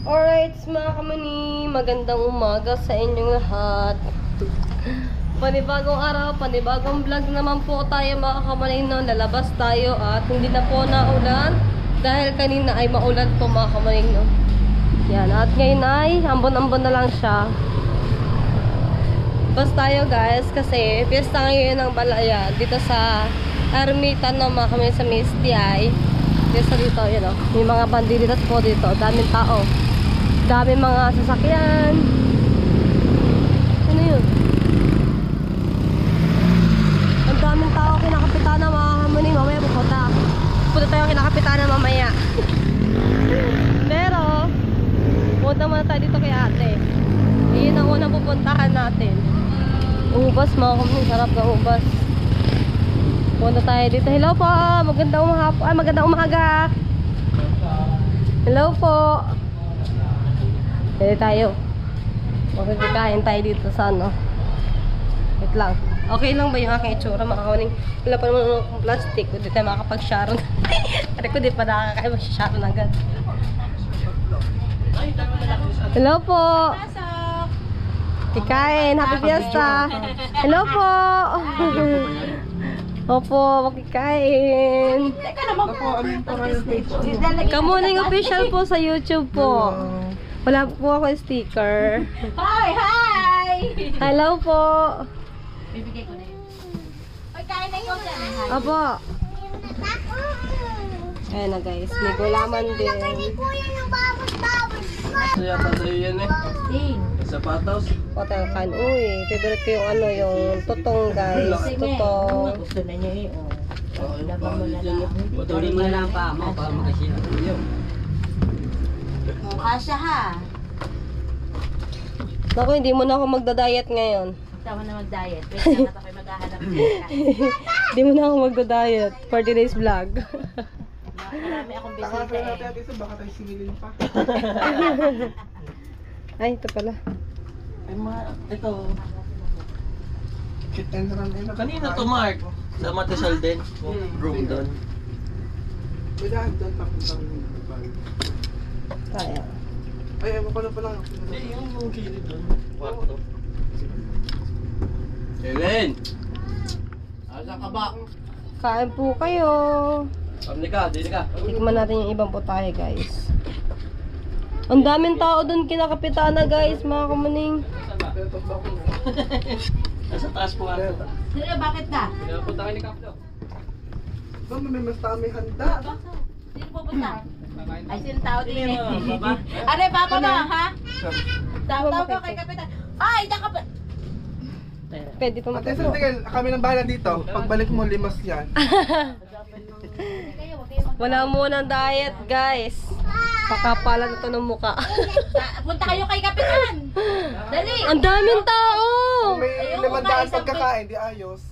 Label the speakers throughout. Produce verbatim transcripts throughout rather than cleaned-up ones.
Speaker 1: Alright, mga kamani, magandang umaga sa inyong lahat. Panibagong araw, panibagong vlog naman po tayo mga kamani. No? Lalabas tayo at hindi na po naulan dahil kanina ay maulan po mga kamani. No? Yan, at ngayon ay ambon-ambon na lang siya. Bas tayo guys kasi piyesta ngayon ng Balaya dito sa Ermita no, mga kamani sa Misty ay. Piyesta dito, yun o. May mga bandilitas po dito, daming tao. Dami mga sasakyan. Ano yun? Ang daming tao kinakapitana mga kamuni. Mamaya pupunta. Pupunta tayo kinakapitana mamaya. Pero punta muna tayo dito kay ate. Iyon ang unang pupuntahan natin. Ubas mga kamuni. Sarap ng ubas. Punta tayo dito. Hello po. Magandang umaga. Ay, magandang umaga. Hello po. Pwede tayo. Makikikain tayo dito sa ano. Wait lang. Okay lang ba yung aking itsura? Makakawaning. Wala pa naman akong plastic. Hindi tayo makakapag-sharon. Kasi ko di pa nakakaya mag-sharon agad. Hello po. Kikain. Happy Fiesta. Hello po. Opo, makikain.
Speaker 2: Teka naman po.
Speaker 1: Kamuning official po sa YouTube po. Wala po ako sticker.
Speaker 2: Hi! Hi!
Speaker 1: Hello po.
Speaker 2: Bibigay ko na yun. Oy, kain na ikaw dyan.
Speaker 1: Apo. Ayan na guys, may gulaman din.
Speaker 3: Ito yata sa'yo yan eh.
Speaker 2: Ting.
Speaker 3: Sapatos.
Speaker 1: Hotel kan. Uy, favorite ko yung ano, yung tutong guys. Tutong.
Speaker 2: Gusto na niya eh. Oh.
Speaker 3: Oh,
Speaker 2: Ilabang mo na lang.
Speaker 3: Patuloy mo na lang pa mo para makasira ko yun.
Speaker 2: Mukha siya ha.
Speaker 1: Naku, hindi mo na ako magda-diet ngayon.
Speaker 2: Tama na mag-diet. Wait lang at ako'y maghahanap siya.
Speaker 1: Hindi mo na ako magda-diet for today's vlog.
Speaker 2: Marami akong
Speaker 3: Baka
Speaker 2: bisita
Speaker 3: natin
Speaker 2: eh.
Speaker 3: ito, baka tayo singilin pa.
Speaker 1: Ay, ito pala.
Speaker 3: Ay ma, ito. Hit and run. eh, Kanina to Mark. Sa Matisal din. Room doon. Kailangan doon papuntang bag.
Speaker 1: Kaya.
Speaker 3: Ay, ewan ko na pala. Hindi, yung yung kilid doon. Kwarto. Helen! Asa ka ba?
Speaker 1: Kain po kayo.
Speaker 3: Pamili ka, dili ka.
Speaker 1: Tikman natin yung ibang putahe guys. Ang daming tao doon kinakapitana guys, mga kamaning.
Speaker 3: Nasa taas po ato.
Speaker 2: Sino, bakit na?
Speaker 3: Pinapunta kayo ni Kaplo. Doon, may mas tami handa.
Speaker 2: Sino pupunta? Ay, sino tao din eh.
Speaker 3: Sino, baba?
Speaker 2: Ano, papa mo, ha? Tawag ko kay Kapitan. Ay, nakap...
Speaker 1: Pwede pa
Speaker 4: Ate,
Speaker 1: magkakaroon.
Speaker 4: tigil, kami nang bahala dito. Pagbalik mo, limas yan.
Speaker 1: Wala muna diet guys. Pakapalan ito ng muka.
Speaker 2: Punta kayo kay Kapitan. Dali.
Speaker 1: Ang daming tao!
Speaker 4: Kung may
Speaker 2: Ayoko
Speaker 4: limandaan
Speaker 2: nga, isang
Speaker 4: pagkakain, di ayos.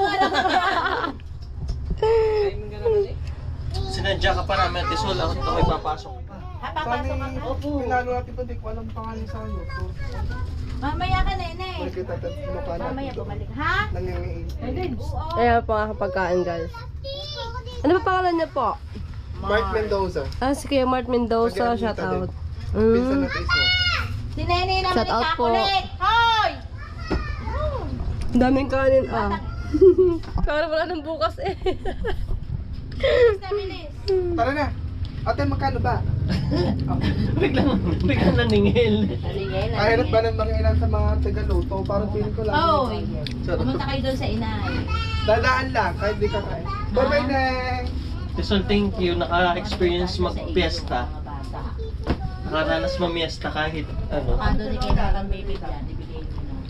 Speaker 3: Sinadya ka pa namin, Tisol. Ako ito ko'y papasok pa.
Speaker 2: Ha,
Speaker 4: Sana
Speaker 2: papasok ka. Opo.
Speaker 4: pinalo natin pa, di ko alam pangalan sa iyo. So,
Speaker 2: Mamaya ka, nene.
Speaker 4: balik kita at mukha natin.
Speaker 2: Mamaya bumalik. Ha?
Speaker 4: Nangyayang
Speaker 2: Oo.
Speaker 1: Ayan po ang pagkain guys. Ano ba pangalan niya po?
Speaker 4: Mark Mendoza.
Speaker 1: Ah, si Kuya Mart Mendoza,
Speaker 4: Taga-Ermita
Speaker 1: shout out.
Speaker 4: Pinsan
Speaker 1: Mm.
Speaker 4: na Tiso.
Speaker 2: Si Nene naman
Speaker 1: Shout out po.
Speaker 2: ikakulit. Hoy!
Speaker 1: Ang daming kanin ah. Para wala nang bukas eh.
Speaker 2: Bilis na bilis.
Speaker 4: Tara na. Ate, magkano ba?
Speaker 3: Biglang, biglang naningil.
Speaker 2: Halingay,
Speaker 4: Kahirap ba ng mga ilan sa mga Tagaluto? Parang feeling ko lang.
Speaker 2: Hoy! Pumunta kayo doon sa inay.
Speaker 4: Dadaan lang, kahit di ka kain. Bye-bye, Neng!
Speaker 3: Tisol, thank you. Naka-experience mag-fiesta.
Speaker 2: Mga bata.
Speaker 3: Nakaranas mamiesta kahit ano.
Speaker 2: Baka doon ay kailangan bibigyan. Ibigay mo na.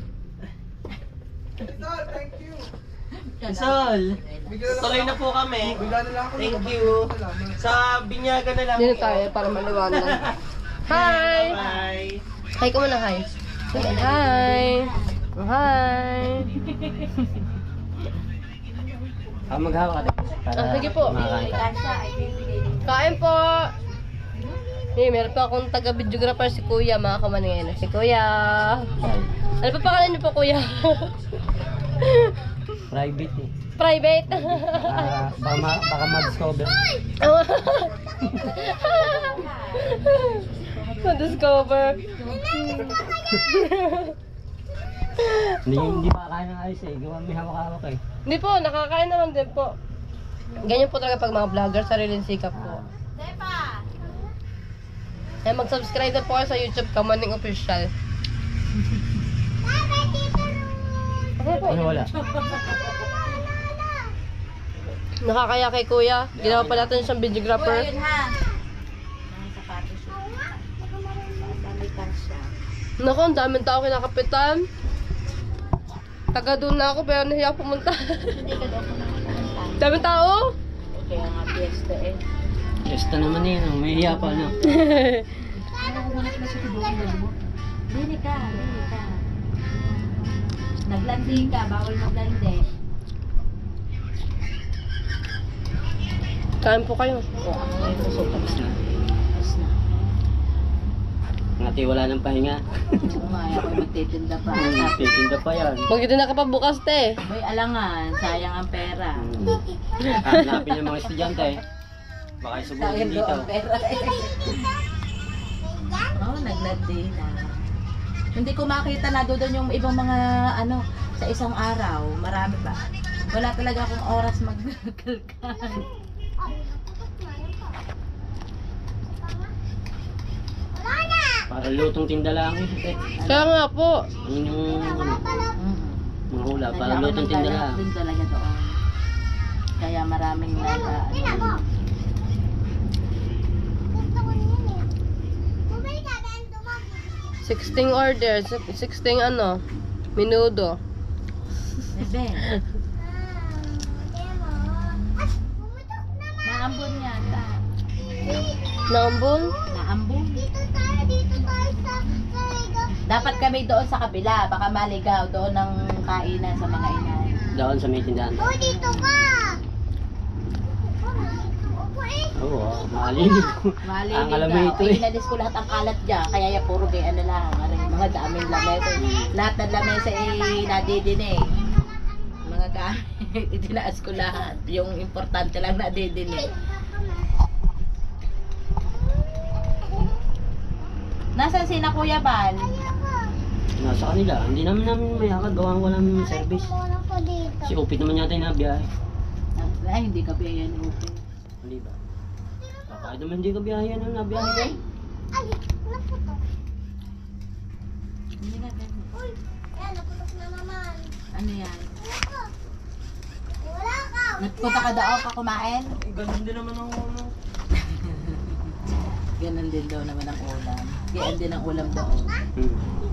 Speaker 4: Tol, thank you!
Speaker 3: Tisol,
Speaker 4: Bigyan na lang
Speaker 3: tuloy na po kami.
Speaker 4: Bigyan na lang ako.
Speaker 3: Thank you.
Speaker 4: Salamat.
Speaker 3: Sa binyaga na lang.
Speaker 1: Dito tayo para maliwanag. Hi!
Speaker 3: Bye!
Speaker 1: Hi ka muna, hi. Hi! Hi!
Speaker 3: Ah, maghawa ka.
Speaker 1: Ah, sige po.
Speaker 2: Kasha ay bibigay mo.
Speaker 1: Kain po! Eh, meron pa akong taga-videographer si Kuya, mga kamanin. Si Kuya! Ano pa pangalan niyo po, Kuya?
Speaker 3: Private eh.
Speaker 1: Private?
Speaker 3: Ah, baka, ma- baka ma-discover.
Speaker 1: Na-discover.
Speaker 3: Hindi, hindi pa kaya ng ayos eh. Gawa may hawak-hawak eh.
Speaker 1: Hindi po, nakakain naman din po. Ganyan po talaga pag mga vlogger, sariling sikap po. Eh, mag-subscribe na po kayo sa YouTube, Kamaning Official. Okay po.
Speaker 3: Ano wala?
Speaker 1: Nakakaya kay kuya. Ginawa pa natin siyang videographer.
Speaker 2: Uy, ayun ha. Mga sapatos yun. Dami ka siya.
Speaker 1: Naku, ang daming tao kinakapitan. Taga doon na ako pero nahiya ako pumunta.
Speaker 2: Hindi ka daw pumunta.
Speaker 1: Daming tao?
Speaker 2: Kaya nga fiesta eh.
Speaker 3: Esta naman eh. No? May hiya pa no?
Speaker 2: Dili ka, dili ka. Naglandi ka, bawal maglandi.
Speaker 1: Kain po kayo.
Speaker 2: O ako ngayon gusto tapos na. Tapos na.
Speaker 3: Ngati wala ng pahinga.
Speaker 2: Umaya ko magtitinda pa.
Speaker 3: Hmm, titinda pa yan.
Speaker 1: Magkita na ka pa bukas, te.
Speaker 2: Boy, alangan, sayang ang pera.
Speaker 3: Hmm. Hanapin yung mga estudyante eh. Baka isubuhin
Speaker 2: Sayang
Speaker 3: dito.
Speaker 2: daw ang pera. Oh, naglandi na. Hindi ko makita na doon yung ibang mga ano sa isang araw. Marami pa. Wala talaga akong oras magkalkan.
Speaker 3: Para lutong tinda lang eh.
Speaker 1: Kaya nga po.
Speaker 3: Yun yung ano,
Speaker 2: Mm.
Speaker 3: mga hula. Para
Speaker 2: Nandiyan ako
Speaker 3: lutong tinda
Speaker 2: naglalakad
Speaker 3: lang.
Speaker 2: din talaga doon. Kaya maraming nasa ano.
Speaker 1: sixteen orders. sixteen ano? Minudo.
Speaker 2: Bebe. Naambon yata.
Speaker 1: Naambon?
Speaker 2: Naambon. Dapat kami doon sa kabila. Baka maligaw doon ng kainan sa mga inay.
Speaker 3: Doon sa may tindahan. Oo, oh, malinig.
Speaker 2: Malinig
Speaker 3: Ang alam mo
Speaker 2: daw.
Speaker 3: ito
Speaker 2: Ay,
Speaker 3: eh.
Speaker 2: inalis ko lahat ang kalat dyan. Kaya ya puro gay ano lang. Ano, yung mga daming lamesa. Lahat ng lamesa eh nadidinig. Mga gamit. Itinaas ko lahat. Yung importante lang nadidinig. Nasaan si na Kuya Bal?
Speaker 3: Nasa kanila. Hindi namin namin may akad. Gawa ko namin yung service. Si Upit naman yata yung nabiyahe.
Speaker 2: Ay, hindi ka biyayan ni Upe.
Speaker 3: Hindi ba? Kahit naman hindi ka biyahe yan ang nabiyahe ko.
Speaker 2: Hindi ka ganyan. Ano yan? Nagpunta ka daw ka kumain?
Speaker 3: Eh, ganun din naman ang ano.
Speaker 2: Ganun din daw naman ang ulam. Ganyan din ang ulam doon.
Speaker 3: Hmm.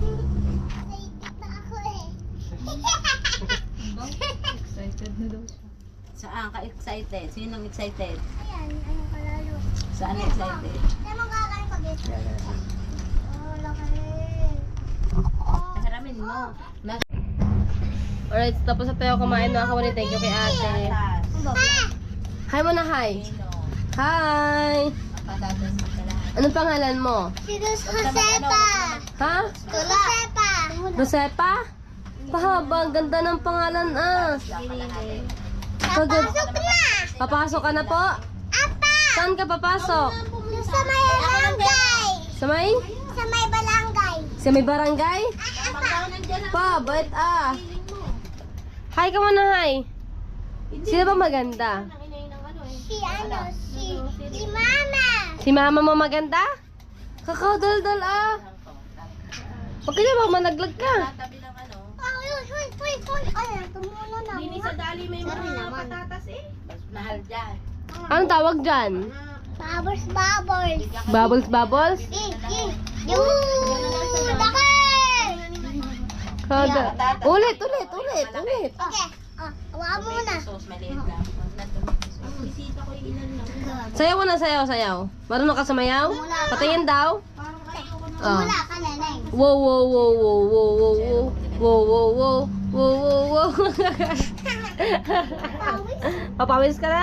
Speaker 2: Excited na daw siya. Saan ka excited? Sinong excited?
Speaker 5: Ayan, ayun kalalo.
Speaker 2: Saan excited?
Speaker 5: Saan mong kakain pag ito?
Speaker 3: Yeah, yeah.
Speaker 5: Oh, laki.
Speaker 2: Haramin mo. Nas
Speaker 1: Alright, tapos na tayo kumain mga kawali. Thank you kay ate.
Speaker 2: patatas.
Speaker 1: Hi mo na, hi.
Speaker 2: Pino.
Speaker 1: Hi!
Speaker 2: Patatas sa lahat.
Speaker 1: Anong pangalan mo?
Speaker 5: Si Dos Josepa.
Speaker 1: Ha?
Speaker 5: Josepa.
Speaker 1: Josepa? Pahaba, ang ganda ng pangalan ah. Pagod.
Speaker 5: Pasok na.
Speaker 1: Papasok ka na po?
Speaker 5: Apa.
Speaker 1: Saan ka papasok?
Speaker 5: Sa may barangay.
Speaker 1: Sa may?
Speaker 5: Sa may barangay.
Speaker 1: Sa may barangay? Pa, bait ah. Hi ka muna, hi. Sino ba maganda?
Speaker 5: Si ano, si, si Mama.
Speaker 1: Si mama mo maganda? Kakadaldal ah. Huwag ka na ba, managlag ka.
Speaker 2: Tabi ng ano.
Speaker 5: Oh, uy, uy, uy, uy. Ay, tumulo na.
Speaker 2: Hindi sa dali may
Speaker 5: Sorry
Speaker 2: mga
Speaker 5: naman.
Speaker 2: patatas eh. Mas mahal dyan.
Speaker 1: Anong tawag dyan?
Speaker 5: Bubbles, bubbles.
Speaker 1: Bubbles, bubbles?
Speaker 5: Eh, eh. Yung laki.
Speaker 1: Kada. Ulit, ulit, ulit, ulit.
Speaker 5: Okay. Oh, hawakan mo muna.
Speaker 2: Sauce maliit lang. Bisita ko yung ilan lang.
Speaker 1: Sayaw mo na, sayaw, sayaw. Marunong ka sumayaw? Patingin daw. Oh.
Speaker 5: Wala ka, neneng.
Speaker 1: Wow, wow, wow, wow, wow, wow, wow. Wow, wow, wow. Wow, wow, wow. Papawis ka na?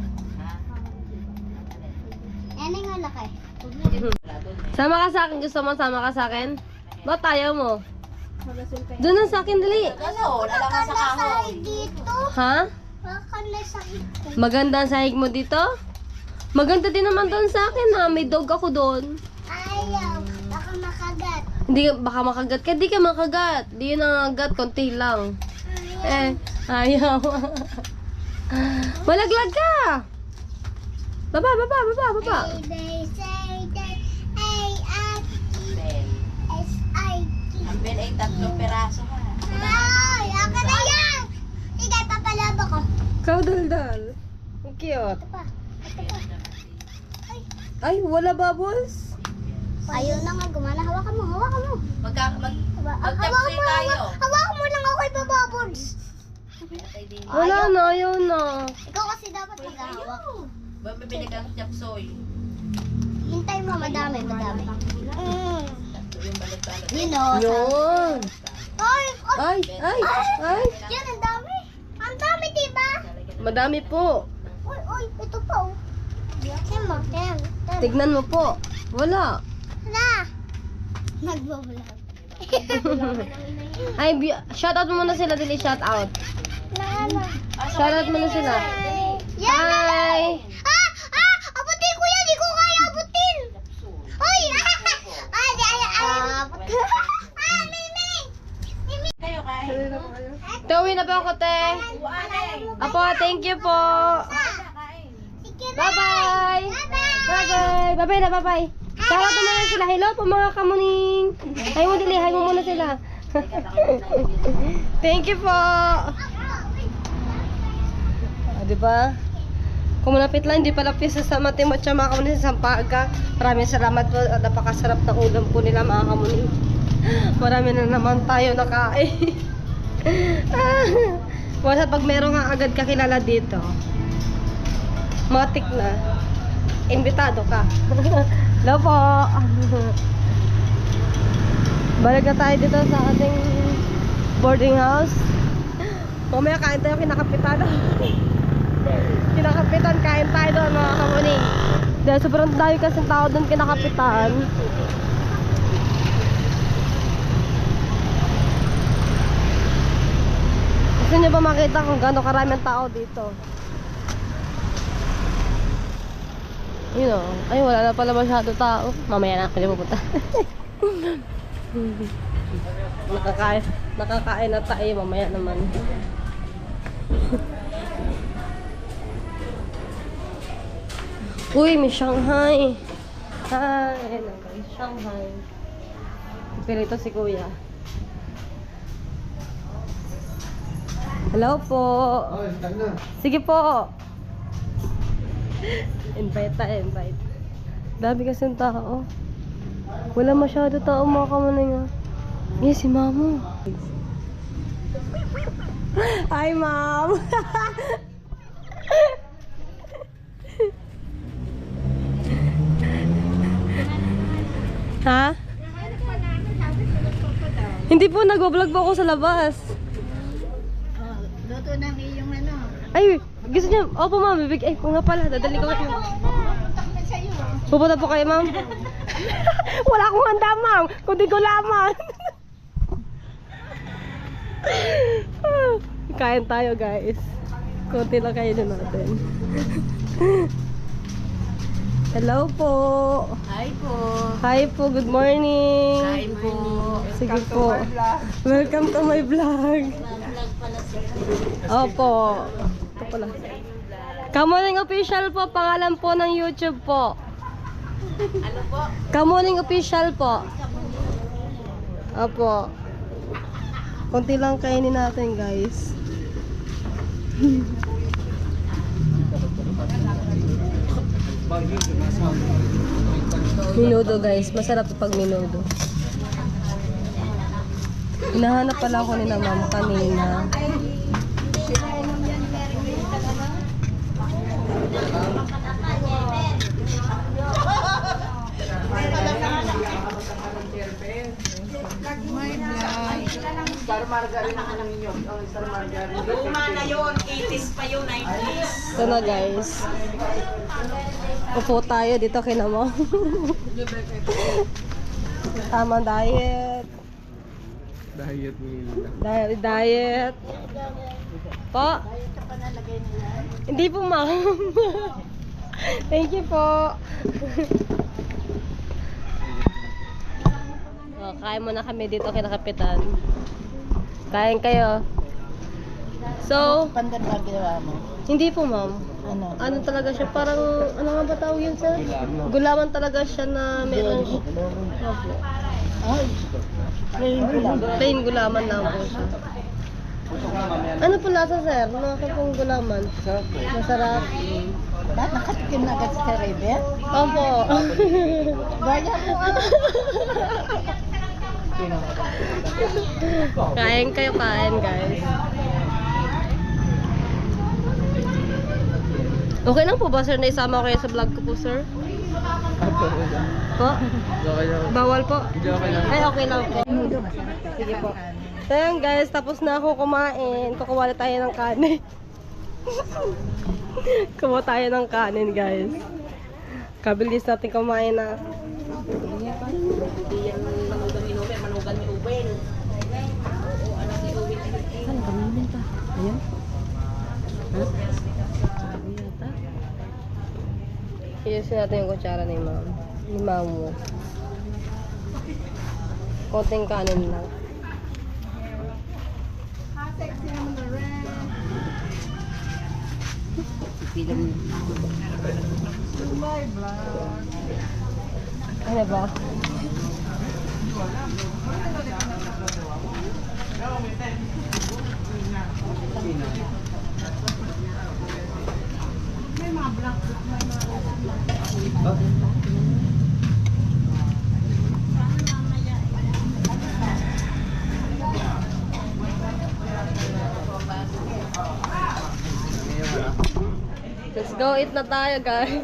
Speaker 5: Neneng, ang laki.
Speaker 1: Sama ka sa akin. Gusto mo sama ka sa akin? Ba't tayo mo? Doon na sa akin, dali.
Speaker 2: Ano? Wala ka sa kahoy.
Speaker 5: Dito.
Speaker 1: Ha?
Speaker 5: Wala ka na sa ito.
Speaker 1: Maganda ang sahig mo dito? Maganda din naman doon sa akin ha. May dog ako doon.
Speaker 5: Ayaw. makagat.
Speaker 1: Hindi ka, baka makagat ka. Hindi ka makagat. Hindi yun ang agat. Konti lang. Eh, ayaw. Malaglag ka. Baba, baba, baba, baba.
Speaker 5: Hey, they say that A at
Speaker 2: Ben.
Speaker 5: S I T.
Speaker 2: Ang Ben ay tatlong peraso ha.
Speaker 5: Ay, ako na yan! Sige, papalaba ko.
Speaker 1: Ikaw daldal. Ang cute.
Speaker 5: Ito pa. Ito pa.
Speaker 1: Ay, wala bubbles.
Speaker 5: Ayaw na nga gumana. Hawakan mo, hawakan mo.
Speaker 2: Magka, mag,
Speaker 5: Hawa-
Speaker 2: Magtapsay
Speaker 5: Hawakan mo lang.
Speaker 2: tayo.
Speaker 5: Hawakan mo lang ako ipababods.
Speaker 2: Patay din.
Speaker 1: Wala na, ayaw na.
Speaker 5: Ikaw kasi dapat maghahawak.
Speaker 2: Ba mabili kang chapsoy?
Speaker 5: Hintay mo, madami, madami. Mm.
Speaker 2: Tatlo yung balot-balot.
Speaker 5: Yun o.
Speaker 1: Yun.
Speaker 5: Ay, ay,
Speaker 1: Ay, ay, ay.
Speaker 5: yan, ang dami. Ang dami, diba?
Speaker 1: Madami po.
Speaker 5: Uy, uy, ito pa, oh. Tim mo, Tim. Tim.
Speaker 1: Tignan mo po. Wala.
Speaker 5: Na. Nagbablog.
Speaker 1: Ay, bi- shout out mo muna sila, dili shout out.
Speaker 5: Na, na.
Speaker 1: Shout out mo na sila.
Speaker 5: Yan,
Speaker 1: Hi.
Speaker 5: Ah! Ah! Abutin ko yan! Di ko kaya abutin! Uy! Ah! Ah! Di ay ay! Ah! Mimi! Mimi!
Speaker 2: Kayo kay.
Speaker 1: Te, uwi na pa ako, te. Apo, thank you po.
Speaker 5: Sige na!
Speaker 1: Bye-bye.
Speaker 5: Bye-bye!
Speaker 1: Bye-bye. Bye-bye na, bye-bye. Shout out mo muna sila. Hello po, mga kamuning. Hi mo, dili. Hi mo muna sila. Thank you po. Ah, diba? Kung malapit lang, hindi pala pisa sa Matimot siya mga kamuning sa Sampaga. Maraming salamat po. At napakasarap na ulam po nila mga kamuning. Marami na naman tayo nakain. Basta pag meron nga agad kakilala dito, matik na. Imbitado ka. Hello po. Balik na tayo dito sa ating boarding house. Mamaya kain tayo kinakapitan. Kinakapitan, kain tayo doon mga kamuning. Dahil sobrang dami kasing tao doon kinakapitan. Gusto niyo ba makita kung gaano karaming tao dito? Yun o. Ay, wala na pala masyado tao. Mamaya na ako pupunta. nakakain, nakakain na tayo. Mamaya naman. Uy, may Shanghai. Hi. Ayan ang guys, Shanghai. Pilito si kuya. Hello po.
Speaker 4: Ay, tanga.
Speaker 1: Sige po. Invite tayo, invite. Dami kasing tao. Wala masyado tao mga kamuning ah. Yes, si Mamo. Hi, Mom. Ha? Hindi po, nag-vlog po ako sa labas.
Speaker 2: Luto ng iyong ano.
Speaker 1: Ay, gusto niya. Opo, ma'am. Bibig. Ay, kung nga pala. Dadali ko kayo. Pupunta po kayo, ma'am. Wala akong handa, ma'am. Kundi ko lamang. Kain tayo, guys. Kunti lang kayo na natin. Hello po.
Speaker 2: Hi po.
Speaker 1: Hi po. Good morning.
Speaker 2: Kain po.
Speaker 1: Sige po. Welcome to my vlog.
Speaker 2: Vlog pala si
Speaker 1: Opo. Ito pala. Kamuning Official po, pangalan po ng YouTube po.
Speaker 2: Ano po?
Speaker 1: Kamuning Official po. Opo. Konti lang kainin natin, guys. Minudo, guys. Masarap pag minudo. Hinahanap pala ako ni na ma'am kanina.
Speaker 4: Star Margarine ang ninyo. Oh, Star Margarine.
Speaker 2: Luma na yun. eighties pa yun. nineties.
Speaker 1: Ito na, guys. Upo tayo dito kay na mo. Tama diet.
Speaker 4: Diet meal.
Speaker 1: Diet, diet. Po? Hindi po, ma'am. Thank you po. Oh, kain muna kami dito kay Kapitan. Kain kayo. So,
Speaker 2: Pandan ba ginawa mo?
Speaker 1: hindi po ma'am.
Speaker 2: Ano?
Speaker 1: Ano talaga siya? Parang, ano nga ba tawag yun sir? Gulaman talaga siya na meron. Opo.
Speaker 2: Ay, plain gulaman.
Speaker 1: Plain gulaman lang po siya. Ano po lasa sir? Mga pong gulaman. Masarap.
Speaker 2: Ba't nakatikim na agad sa Rebe?
Speaker 1: Opo.
Speaker 2: Gaya mo ah.
Speaker 1: Kain kayo, kain guys. Okay lang po ba sir na isama ko kayo sa vlog ko po sir? Po?
Speaker 3: Okay lang.
Speaker 1: Bawal po?
Speaker 3: Hindi okay lang.
Speaker 1: Ay okay lang po. Sige po. So yan guys, tapos na ako kumain. Kukuha na tayo ng kanin. Kumuha tayo ng kanin guys. Kabilis natin kumain na.
Speaker 2: Hindi yan manugan ni Uben, manugan ni Uben. Oo, ano si Uben?
Speaker 1: Saan kami pa? Ayan. Ha? Iyusin natin yung kutsara ni ma'am. Ni ma'am. Konting kanin lang.
Speaker 2: Pilang
Speaker 1: Ano ba? Let's go eat na tayo guys.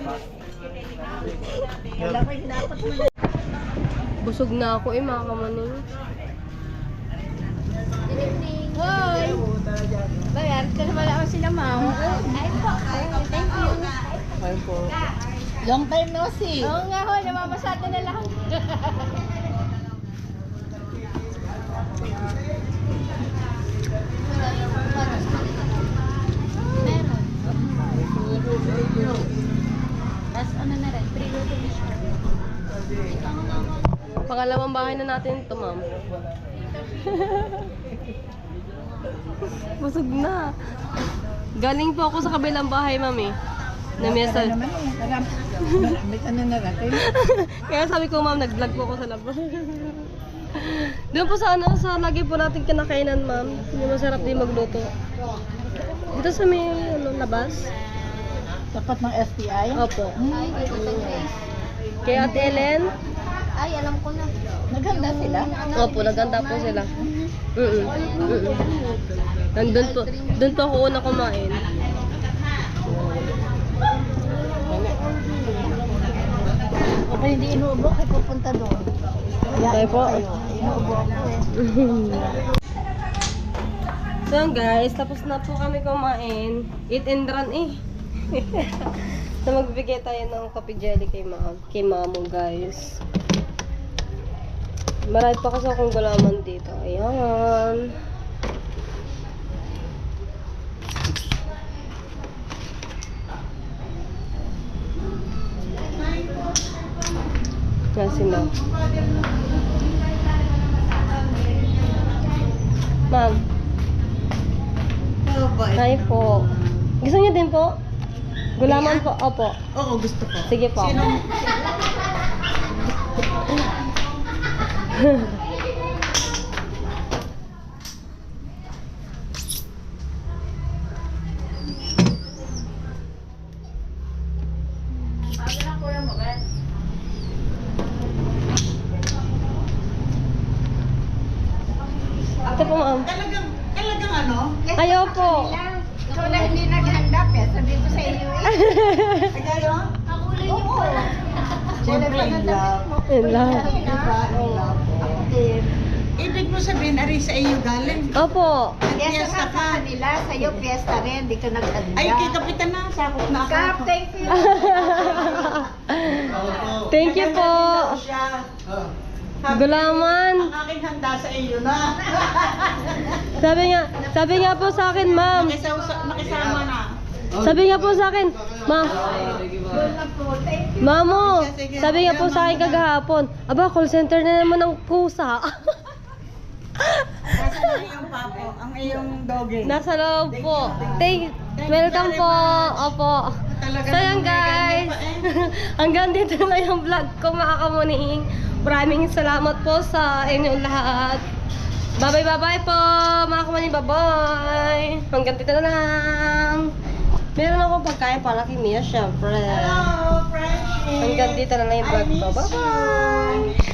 Speaker 1: Busog na ako eh mga kamaning.
Speaker 5: Hoy! Bayar ka naman ako sila, ma'am. Ay po. Thank you.
Speaker 1: Kain po.
Speaker 2: long time no see.
Speaker 5: Oo nga ho, namamasada na lang. Meron. Tapos ano na rin, pre-luto ni siya.
Speaker 1: Pangalawang bahay na natin ito ma'am. Busog na. Galing po ako sa kabilang bahay ma'am eh. Na mesa.
Speaker 2: naman eh. May ano na natin.
Speaker 1: Kaya sabi ko ma'am, nag-vlog po ako sa labas. Doon po sa ano, sa lagi po natin kinakainan ma'am. Yung masarap din magluto. Dito sa may ano, labas.
Speaker 2: Tapat ng S T I?
Speaker 1: Opo.
Speaker 5: Ay, ito sa Grace.
Speaker 1: Kay Ate Ellen.
Speaker 5: Ay, alam ko na.
Speaker 2: Naghanda sila?
Speaker 1: Opo, naganda po sila. Mm-mm. Mm-mm. Nandun po, doon po ako una kumain.
Speaker 2: O kaya hindi inuubo, kaya pupunta doon.
Speaker 1: Tayo po.
Speaker 2: Inuubo ako eh.
Speaker 1: So guys, tapos na po kami kumain. Eat and run eh. So magbibigay tayo ng coffee jelly kay ma'am. Kay mamo guys. Marami pa kasi akong gulaman dito. Ayan. Yan si ma'am. Ma'am. Hi po. Gusto niyo din po? Gulaman po? Opo.
Speaker 2: Oo, gusto ko.
Speaker 1: Sige po. Ito po ma'am.
Speaker 2: Talagang, talagang ano?
Speaker 1: Ayaw po.
Speaker 2: Ikaw na hindi naghanda, pero sabi ko sa iyo eh. Ayaw?
Speaker 5: Ako ulit yung po.
Speaker 2: Siyempre, in love.
Speaker 1: In love.
Speaker 2: Diba? In love. Ako din. Ibig mo sabihin, ari sa iyo galing.
Speaker 1: Opo.
Speaker 2: Fiesta ka.
Speaker 6: Nila, sa'yo piyesta rin, di ka naghanda.
Speaker 2: Ay, kay Kapitan na, sakot na ako.
Speaker 6: Kap, thank you.
Speaker 1: Thank you po.
Speaker 2: Siya.
Speaker 1: Gulaman.
Speaker 2: Ang aking handa sa iyo na.
Speaker 1: Sabi nga, sabi nga po sa akin, ma'am.
Speaker 2: Nakisama, nakisama na.
Speaker 1: Sabi nga po sa akin, ma, Mamo, sabi nga po sa akin kagahapon, aba, call center na naman ng pusa.
Speaker 6: Nasaan na yung papo? Ang iyong doggy.
Speaker 1: Nasa loob po. Thank, welcome po. Opo. So yan guys, hanggang dito na yung vlog ko mga kamuning. Maraming salamat po sa inyong lahat. Bye bye bye bye po mga kamuning, bye bye. Hanggang dito na lang. Meron akong pagkain para kay Mia syempre.
Speaker 6: Hello, Frenchie.
Speaker 1: Hanggang dito na lang yung vlog ko. Bye bye.